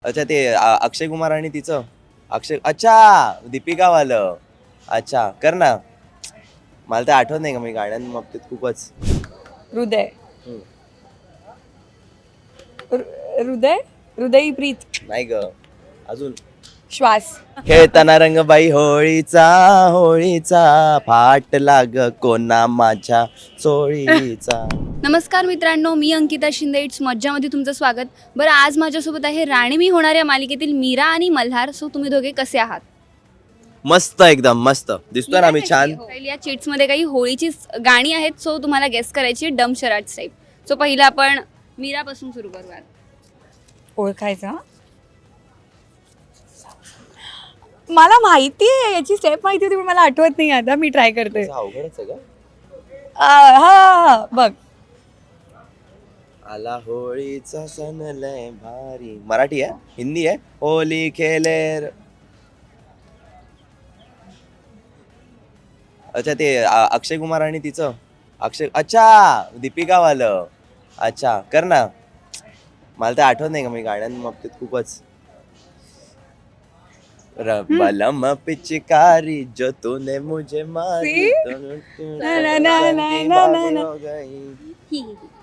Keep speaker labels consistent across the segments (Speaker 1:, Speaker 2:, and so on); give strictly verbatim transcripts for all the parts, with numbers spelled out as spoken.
Speaker 1: अच्छा ते अ, अक्षय कुमार आणि तिचं अक्षय अच्छा दीपिकावालं अच्छा कर ना. मला तर आठवत नाही का मी गाण्यांबाबतीत खूपच
Speaker 2: हृदय
Speaker 1: हम्म,
Speaker 2: हृ- हृदय हृदयी प्रीत
Speaker 1: नाही ग अजून
Speaker 2: श्वास
Speaker 1: खेळताना रंगबाई होळीचा होळीचा फाट लाग कोणा माझ्या चोळीचा.
Speaker 3: नमस्कार मित्रांनो, मी अंकिता शिंदे. इट्स मज्जामध्ये तुमचं स्वागत. बरं, आज माझ्यासोबत आहे राणी मी होणार या मालिकेतील मीरा आणि मल्हार. सो तुम्ही दोघे कसे आहात?
Speaker 1: मस्त एकदम मस्त दिसतोय ना मी छान.
Speaker 3: पहिली या चिट्समध्ये काही होळीची गाणी आहेत, सो तुम्हाला गेस करायची डम शराट टाईप. सो पहिलं आपण मीरापासून सुरू करूयात.
Speaker 2: ओळखायचा मला माहिती आहे, याची स्टेप माहिती होती पण मला आठवत नाही. आता मी ट्राय करते.
Speaker 1: असं अवघडच आहे का.
Speaker 2: आ, हा हा बघ.
Speaker 1: आला होळीचा सण लय भारी. मराठी आहे हिंदी आहे. होली खेले र- अच्छा ते अ, अक्षय कुमार आणि तिचं अक्षय अच्छा दीपिकावालं अच्छा कर ना. मला तर आठवत नाही का मी गाण्यांबाबतीत खूपच रबलम पिचकारी जो तूने मुझे मारी
Speaker 2: See?
Speaker 1: तो तू-
Speaker 2: ना, ना, ना, ना,
Speaker 1: की
Speaker 2: ना, ना,
Speaker 1: बाबी
Speaker 2: ना.
Speaker 1: हो गई.
Speaker 3: ही, ही, ही.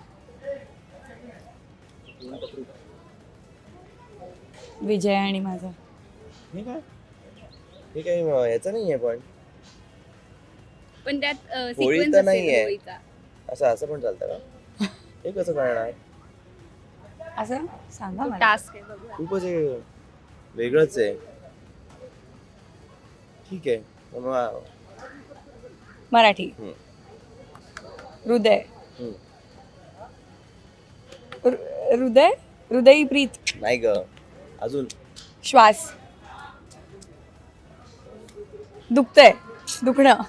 Speaker 2: विजय आणि माझा
Speaker 1: हे काय हे काही याचं नाही आहे पण
Speaker 3: पण त्यात
Speaker 1: होळी
Speaker 3: सिक्वेन्स
Speaker 1: तर
Speaker 3: असेल
Speaker 1: नाहीये.
Speaker 3: होळीचा.
Speaker 1: असं असं पण चालतं का. हे कसं करणार
Speaker 2: असं सांगा मला.
Speaker 3: टास्क आहे बघूया.
Speaker 1: खूपच हे वेगळंच आहे. ठीक आहे मग
Speaker 2: मराठी
Speaker 1: हम्म.
Speaker 2: हृदय
Speaker 1: हम्म.
Speaker 2: हृ- हृदय हृदयी प्रीत
Speaker 1: नाही ग अजून
Speaker 2: श्वास दुखतंय दुखणं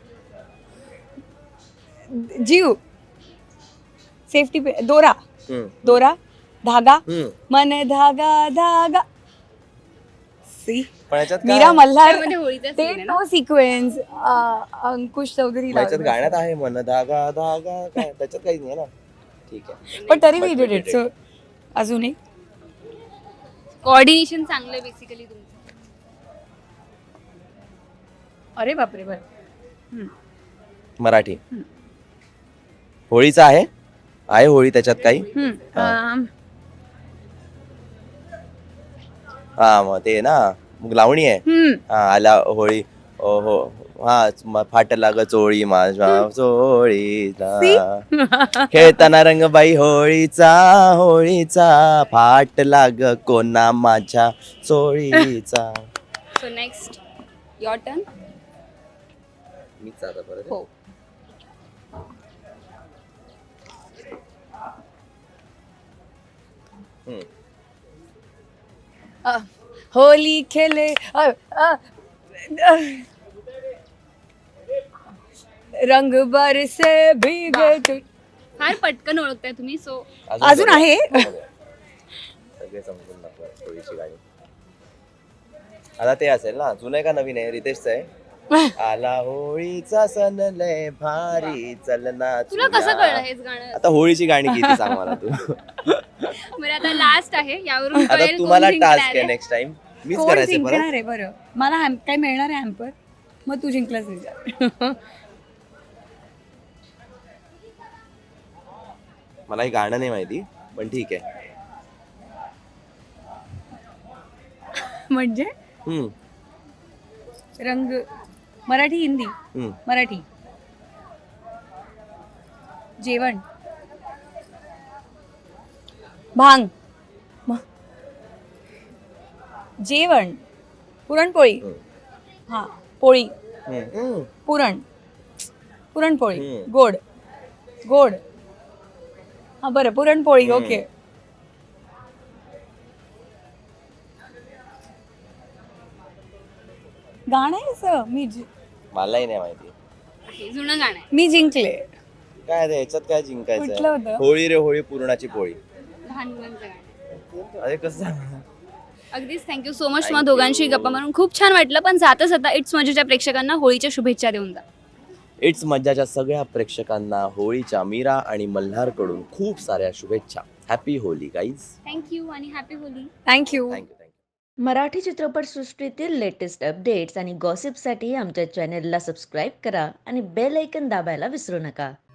Speaker 2: जीव सेफ्टी पे दोरा
Speaker 1: हम्म.
Speaker 2: दोरा धागा
Speaker 1: हम्म.
Speaker 2: मन धागा धागा सी
Speaker 1: पण याच्यात
Speaker 2: मीरा
Speaker 1: काय
Speaker 2: मल्हार
Speaker 3: त्यामध्ये होळीचा
Speaker 2: ते
Speaker 3: scene आहे ना?
Speaker 2: तो सिक्वेन्स अंकुश चौधरी
Speaker 1: याच्यात
Speaker 2: लावला.
Speaker 1: गाण्यात आहे मन धागा धागा काय त्याच्यात काहीच नाही ना. ठीक आहे
Speaker 2: पण तरी
Speaker 1: But
Speaker 2: we
Speaker 1: we
Speaker 2: did
Speaker 1: did
Speaker 2: it so अजून एक
Speaker 3: कोऑर्डिनेशन चांगलं बेसिकली तुमचं.
Speaker 2: अरे बापरे बर
Speaker 1: मराठी होळीचा आहे आहे होळी त्याच्यात काही हा मग ते ना मग लावणी आहे. हा आला होळी ओ हो हा म- फाट लाग चोळी माझ्या चोळीचा खेळताना रंगबाई होळीचा होळीचा फाट लाग कोणा माझ्या चोळीचा.
Speaker 3: So next your turn.
Speaker 1: मीच आता परत
Speaker 3: हो.
Speaker 1: हम्म.
Speaker 2: अ, होली खेले अ, अ, अ, रंग बरसे भीगे तु-
Speaker 3: फार पटकन ओळखताय तुम्ही. सो
Speaker 2: अजून
Speaker 1: बघा.
Speaker 2: आहे?
Speaker 1: बघा. सगळे समजून दाखवा होळीची गाणी. आता ते असेल ना जुनं आहे का नवीन आहे रितेशचं आहे. आला होळीचा सण लय भारी चलना
Speaker 3: तुला कसं कळलं हेच गाणं?
Speaker 1: आता होळीची गाणी किती सांग मला तू.
Speaker 3: बरं, आता लास्ट आहे. यावरून
Speaker 1: आता
Speaker 3: कळेल कोण
Speaker 1: तुम्हाला
Speaker 3: जिंकणार
Speaker 1: टास्क आहे
Speaker 3: आहे.
Speaker 1: नेक्स्ट टाइम मीच
Speaker 2: कोण
Speaker 1: करायचं
Speaker 2: जिंकणार
Speaker 1: परत.
Speaker 2: आहे बरं मला हॅम- काय मिळणार आहे हॅम्पर मग तू जिंकलाच विचार.
Speaker 1: मला हे गाणं नाही माहिती पण ठीक आहे.
Speaker 2: म्हणजे
Speaker 1: हम्म,
Speaker 2: रंग मराठी हिंदी
Speaker 1: हम्म.
Speaker 2: मराठी जेवण भांग म- जेवण पुरणपोळी
Speaker 1: हम्म.
Speaker 2: हा पोळी
Speaker 1: हम्म, हम्म.
Speaker 2: पुरण पुरणपोळी
Speaker 1: हम्म.
Speaker 2: गोड गोड हा बरं पुरणपोळी
Speaker 1: हम्म.
Speaker 2: ओके. गाणं आहे असं मी जि-
Speaker 1: मलाही नाही माहिती
Speaker 3: हे जुनं गाणं आहे.
Speaker 2: मी जिंकले.
Speaker 1: काय ते याच्यात काय
Speaker 2: कुठलं
Speaker 1: जिंकायचं
Speaker 2: होतं?
Speaker 1: होळी रे होळी पुरणाची पोळी.
Speaker 3: लहान मुलांचं गाणं.
Speaker 1: अरे कसं सांगणार?
Speaker 3: अगदीच थँक्यू सो मच.
Speaker 1: Thank
Speaker 3: तुम्हाला दोघांशी
Speaker 1: you.
Speaker 3: गप्पा मारून खूप छान वाटलं. पण जाता जाता इट्स मजेच्या प्रेक्षकांना होळीच्या शुभेच्छा देऊन जा.
Speaker 1: इट्स मज्जाच्या सगळ्या प्रेक्षकांना होळीच्या मीरा आणि मल्हारकडून खूप साऱ्या शुभेच्छा. Happy Holi guys.
Speaker 3: थँक्यू आणि happy Holi.
Speaker 2: Thank you.
Speaker 1: Thank you thank you.
Speaker 4: Marathi चित्रपटसृष्टीतील लेटेस्ट अपडेट्स आणि गॉसिपसाठी आमच्या चॅनेलला सबस्क्राईब करा आणि बेल ऐकन दाबायला विसरू नका.